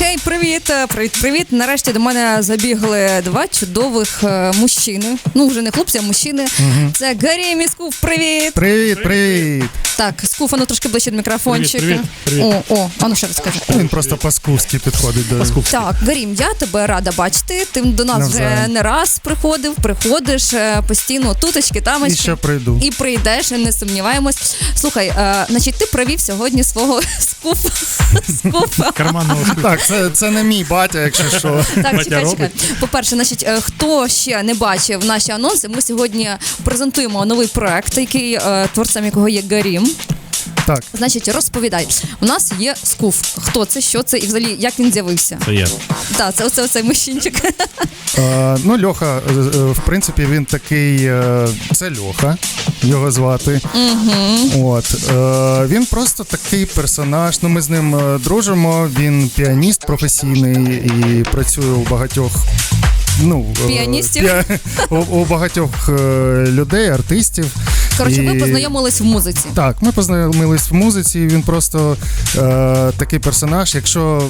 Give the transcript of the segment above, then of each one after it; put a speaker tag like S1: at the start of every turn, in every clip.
S1: Хей, привіт. Нарешті до мене забігли два чудових мужчини. Ну, вже не хлопці, а мужчини. Угу. Це Гарім і Скуф, привіт.
S2: Привіт.
S1: Так, Скуф, ну трошки ближче до мікрофончика.
S2: Привіт.
S1: А ну ще раз скажи.
S2: Він просто по-скуфськи підходить до Скуфськи.
S1: Так, Гарім, я тебе рада бачити. Ти до нас вже не раз приходиш постійно, туточки, тамочки.
S2: І ще прийду.
S1: І прийдеш, не сумніваємось. Слухай, значить, ти провів сьогодні свого Скуфа.
S2: Карманного Скуфа. Так, це не мій батя, якщо що.
S1: Так, чекай. По-перше, значить, хто ще не бачив наші анонси, ми сьогодні презентуємо новий проект, який творцем якого є Гарім.
S2: Так.
S1: Значить, розповідай. У нас є Скуф. Хто це, що це і взагалі як він з'явився?
S3: Це я.
S1: Так, це оцей мужчинчик.
S2: Льоха, в принципі, він такий, це Льоха, його звати. Угу. Він просто такий персонаж, ми з ним дружимо, він піаніст професійний і працює у багатьох
S1: піаністів?
S2: У багатьох людей, артистів.
S1: Коротше, ви познайомились в музиці.
S2: Так, ми познайомились в музиці, він просто такий персонаж. Якщо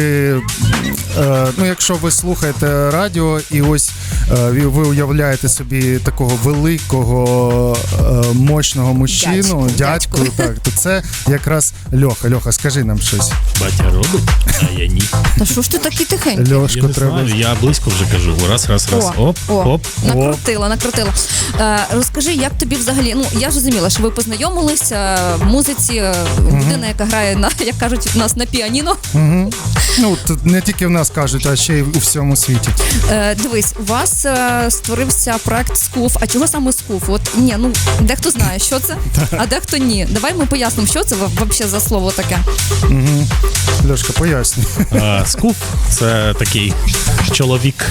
S2: ви слухаєте радіо і ось ви уявляєте собі такого великого, мощного мужчину, дядьку, так, то це якраз Льоха. Льоха, скажи нам щось.
S3: Батя робить, а я ні.
S1: Та що ж ти такий тихенький?
S2: Льошко, треба.
S3: Я близько вже кажу. Раз. Оп.
S1: Накрутила. Розкажи, як тобі взагалі, я зрозуміла, що ви познайомилися в музиці, людина, яка грає, як кажуть, у нас на піаніно.
S2: Тут не тільки в нас кажуть, а ще й у всьому світі.
S1: Дивись, у вас створився проект Скуф. А чого саме Скуф? Дехто знає, що це, а дехто ні. Давай ми пояснимо, що це взагалі за слово таке.
S2: Льошка, пояснюй.
S3: Скуф – це такий чоловік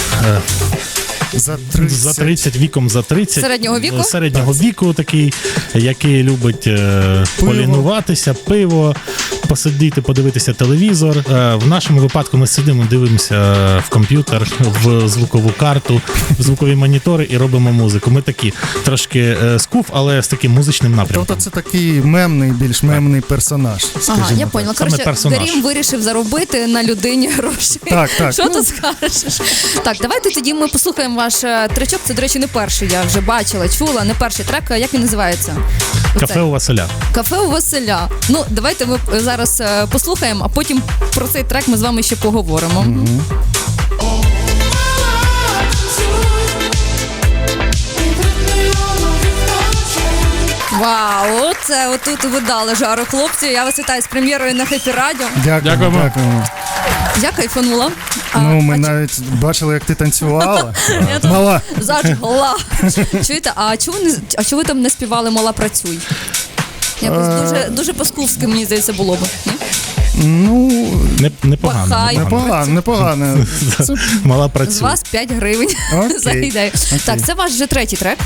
S3: за 30, віком за 30. Середнього віку такий, який любить полінуватися, пиво, посидіти, подивитися телевізор. В нашому випадку ми сидимо, дивимося в комп'ютер, в звукову карту, в звукові монітори і робимо музику. Ми такі трошки Скуф, але з таким музичним напрямком.
S2: Тобто це такий більш мемний персонаж.
S1: Ага, я поняла. Коротше, Гарім вирішив заробити на людині гроші.
S2: Так.
S1: Що ти скажеш? Так, давайте тоді ми послухаємо ваш тречок. Це, до речі, не перший, я вже бачила, чула, не перший трек. Як він називається?
S3: Кафе у Василя.
S1: Кафе у Василя. Давайте ми зараз послухаємо, а потім про цей трек ми з вами ще поговоримо. Вау, це отут ви дали жару, хлопці. Я вас вітаю з прем'єрою на Хеппі Радіо.
S2: Дякуємо.
S1: Я кайфанула.
S2: Ми навіть бачили, як ти танцювала. Мала.
S1: Зажгла. Чуєте, а чого ви там не співали «Мала, працюй»? Якось дуже по-скуфськи, мені здається, було б.
S2: Непогано.
S3: Мала працює.
S1: З вас 5 гривень за ідею. Так, це ваш вже третій трек?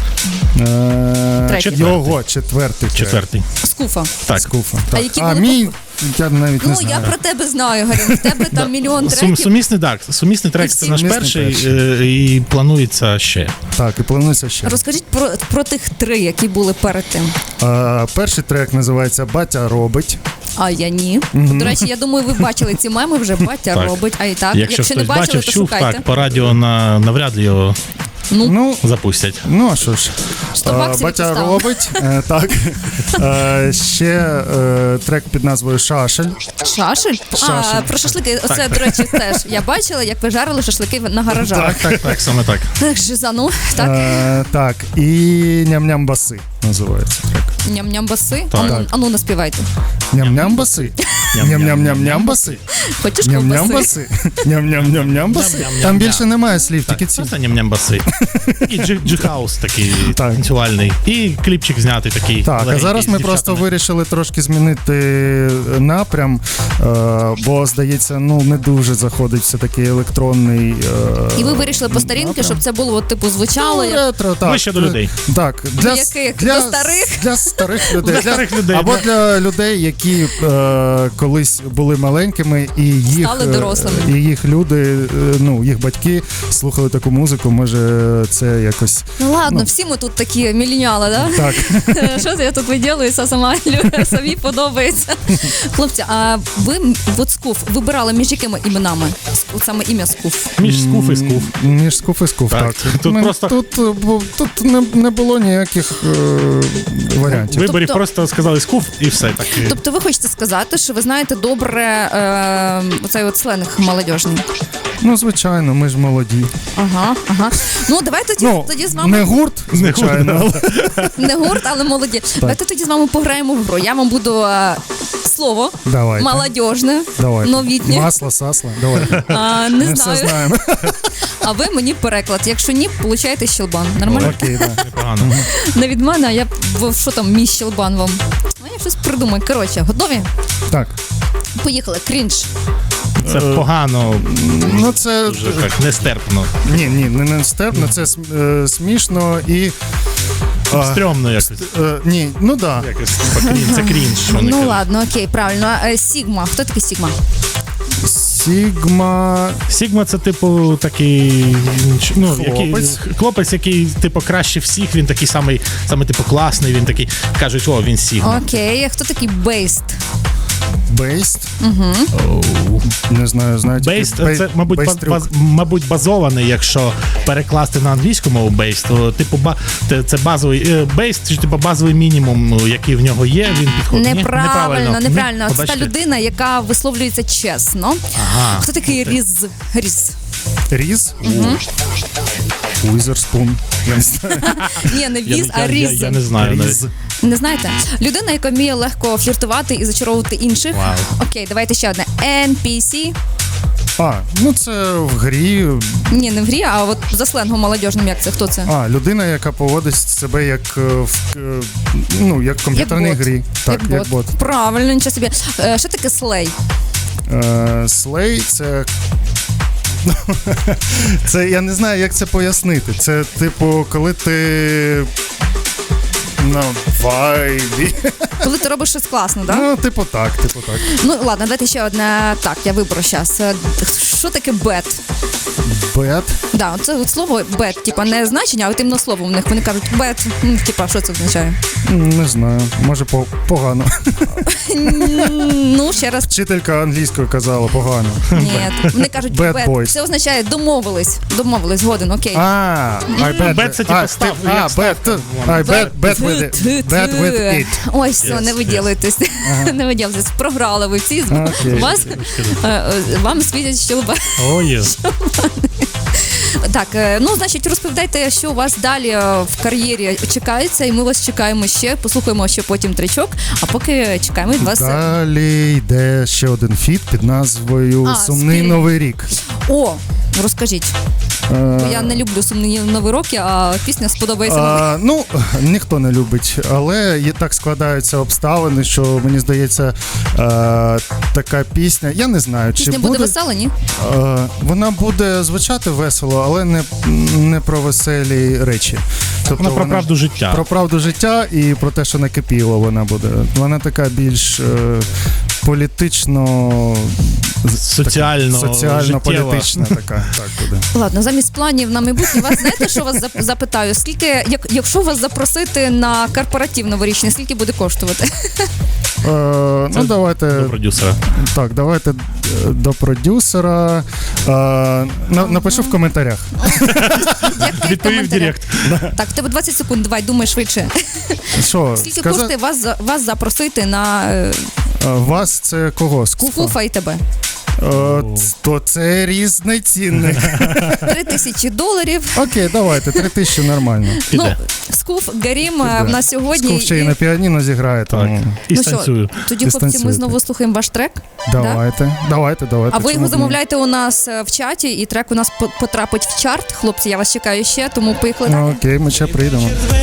S2: Його четвертий.
S1: Скуфа.
S3: Так.
S2: Скуфа.
S1: А які
S2: були? Мій, я навіть не знаю.
S1: Я про тебе знаю, Гарім. В тебе там мільйон треків.
S3: Сумісний трек – це наш перший і планується ще.
S2: Так, і планується ще.
S1: Розкажіть про тих 3, які були перед тим.
S2: Перший трек називається «Батя робить».
S1: А я ні. До речі, я думаю, ви бачили ці меми вже, батя робить, а і так.
S3: Якщо
S1: не бачили,
S3: бачив,
S1: то
S3: чув,
S1: шукайте.
S3: так, по радіо навряд ли його запустять.
S2: А що ж, «Батя
S1: поставив.
S2: робить», так. Ще трек під назвою «Шашель».
S1: Шашель? Про шашлики. Оце, до речі, теж. Я бачила, як ви жарили шашлики на гаражах.
S3: Так, саме так.
S1: Жизану, так.
S2: Так, і «Ням-ням баси» називається трек.
S1: Ням-ням баси?
S3: Так.
S1: Ану, наспівайте.
S2: Ням-ням баси. Ням-ням-ням-ням баси.
S1: Хочеш
S2: Ням-ням
S1: ковбаси?
S2: баси. Ням-ням-ням-ням баси. Там більше немає слів, тільки ці.
S3: Просто ням-ням баси. І джи-хаус такий танцювальний. І кліпчик знятий такий.
S2: Так, а зараз ми просто вирішили трошки змінити напрям, бо, здається, не дуже заходить все-таки електронний
S1: І ви вирішили по старінки, щоб це було, звучало?
S2: Ретро, так.
S3: Ближче до людей.
S2: Так,
S1: Для старих?
S2: Для старих людей.
S3: Для старих людей.
S2: Або для людей, які колись були маленькими і їх,
S1: стали дорослими.
S2: І їх люди, їх батьки слухали таку музику, може це якось...
S1: Ну ладно, всі ми тут такі міленіали, да?
S2: Так.
S1: Що це я тут виділююся, самі подобається. Хлопці, а ви от Скуф вибирали між якими іменами? От саме ім'я Скуф.
S3: Між Скуф і Скуф.
S2: Між Скуф і Скуф, так. Тут не було ніяких варіантів.
S3: Виборів просто сказали Скуф і все. Так.
S1: Тобто ви хочете сказати, що ви знаєте добре оцей от сленг молодіжний?
S2: Ну, звичайно, ми ж молоді.
S1: Ага. Ну, давайте тоді з вами...
S2: Не гурт, звичайно.
S1: Не гурт, але молоді. Давайте тоді з вами пограємо в гру. Я вам буду слово молодіжне, новітнє.
S2: Масло, сасло, давай.
S1: Не
S2: Ми
S1: знаю.
S2: все знаємо.
S1: А ви мені переклад. Якщо ні, получаєте щелбан. Нормально?
S2: Окей, так.
S3: Непогано.
S1: Не від мене, а я що там, мій щелбан вам. Ну, я щось придумаю. Коротше, готові?
S2: Так.
S1: Поїхали. Крінж.
S3: Це погано,
S2: Ну, це...
S3: дуже так, нестерпно.
S2: Ні, не нестерпно, це смішно і...
S3: Стрьомно якось.
S2: Ні, ну да.
S3: Якось це крінж. що вони
S1: Ну
S3: кажуть.
S1: ладно, окей, правильно. Сігма. Хто такий Сігма?
S2: Сігма...
S3: Сігма це типу такий
S2: Хлопець.
S3: Хлопець, який типу краще всіх, він такий самий типу класний, він такий, кажуть, він Сігма.
S1: Окей, а хто такий Бейст?
S2: Бейст? Не знаю, знаєте.
S3: Бейст це, мабуть, базований, якщо перекласти на англійську мову бейст, то типу це базовий бейст, чи типу базовий мінімум, який в нього є, він підходить.
S1: Неправильно. Це та
S3: Побачите?
S1: людина, яка висловлюється чесно.
S3: Ага.
S1: Хто такий Різ?
S2: Різ? Уізерспун. Я не знаю.
S1: Ні, не Віз, а Різ.
S3: Я не знаю навіть.
S2: Різ.
S1: Не знаєте? Людина, яка вміє легко фліртувати і зачаровувати інших.
S3: Вау.
S1: Окей, давайте ще одне. NPC.
S2: Ну це в грі.
S1: Ні, не в грі, а от за сленгом молодіжним, як це? Хто це?
S2: Людина, яка поводить себе як як в комп'ютерній
S1: Як бот.
S2: грі. Так, як бот.
S1: Правильно, нічого собі. Що таке слей?
S2: Слей це. Це я не знаю, як це пояснити. Це типу, коли ти на вайбі.
S1: Коли ти робиш щось класно, так?
S2: Ну, типу так.
S1: Ну, ладно, давайте ще одне. Так, я виберу зараз. Що таке бет?
S2: Бет.
S1: Да, це от слово бет, типа не значення, а от іменно слово в них. Вони кажуть бет. Типа, що це означає?
S2: Не знаю, може погано.
S1: Ну, ще раз.
S2: Вчителька англійської казала погано.
S1: Ні, вони кажуть
S2: Bad
S1: бет.
S2: boys.
S1: Це означає домовились, згоден, окей.
S3: Бет це типу став.
S2: Bet with it.
S1: Ой, все, не виділуйтесь. Не виділуйтесь. Програли ви всі. Вам світять щелба.
S3: Ой.
S1: Так, значить, розповідайте, що у вас далі в кар'єрі чекається, і ми вас чекаємо ще. Послухаємо ще потім тричок, а поки чекаємо від вас.
S2: Далі йде ще один фіт під назвою «Сумний новий рік».
S1: О, розкажіть. Я не люблю «Сумні нові роки», а пісня сподобається.
S2: Ніхто не любить, але так складаються обставини, що, мені здається, така пісня, я не знаю, чи
S1: пісня буде весела, ні?
S2: Вона буде звучати весело, але не про веселі речі. Тобто
S3: вона про правду життя.
S2: Про правду життя і про те, що накипіло вона буде. Вона така більш політично... Соціально-політична така. Так буде.
S1: Ладно, замість планів на майбутнє вас, знаєте, що вас запитаю? Скільки, якщо вас запросити на корпоратив новорічний, скільки буде коштувати?
S2: Давайте...
S3: До продюсера.
S2: Так, давайте до продюсера. Напишу в коментарях.
S3: Відповів в директ.
S1: Так, в тебе 20 секунд, давай, думай швидше.
S2: Що?
S1: Скільки коштує вас запросити на...
S2: Вас це кого?
S1: Скуфа і тебе.
S2: То це різний цінник.
S1: $3000.
S2: Окей, давайте, 3000 нормально.
S1: Скуф, Гарім в нас сьогодні.
S2: Скуф ще і на піаніно зіграє. Тому...
S3: І станцюю.
S1: Тоді, хлопці, ми знову слухаємо ваш трек.
S2: Давайте.
S1: А ви його замовляєте у нас в чаті, і трек у нас потрапить в чарт. Хлопці, я вас чекаю ще, тому поїхали.
S2: Окей, ми ще прийдемо.